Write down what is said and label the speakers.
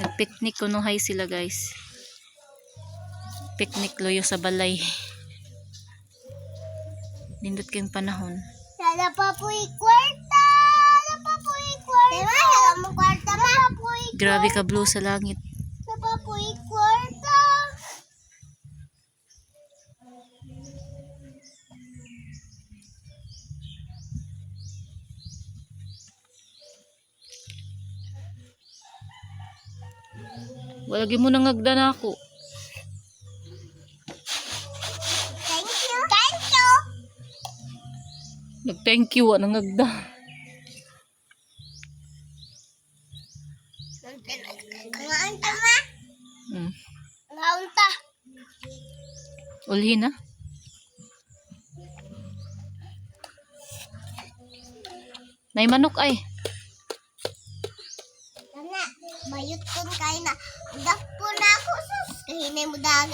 Speaker 1: Nag-picnic kuno hay sila guys. Picnic loyo sa balay. Nindot kayong panahon.
Speaker 2: Lala pa po kwarta. Lala pa po kwarta. Diba? Lala mo kwarta ma.
Speaker 1: Grabe ka blue sa langit.
Speaker 2: Lala pa po kwarta.
Speaker 1: Wala gyud mo nangagda na ako.
Speaker 2: Thank you. Thank you.
Speaker 1: Nag-thank you wa nangagda.
Speaker 2: Ngaon ta ma?
Speaker 1: Hmm.
Speaker 2: Ngaon ta.
Speaker 1: Ulhi na. Nay manok ay.
Speaker 2: Tana, bayot kun kay na. Dak po na ako sus. Kahinay mo dagat.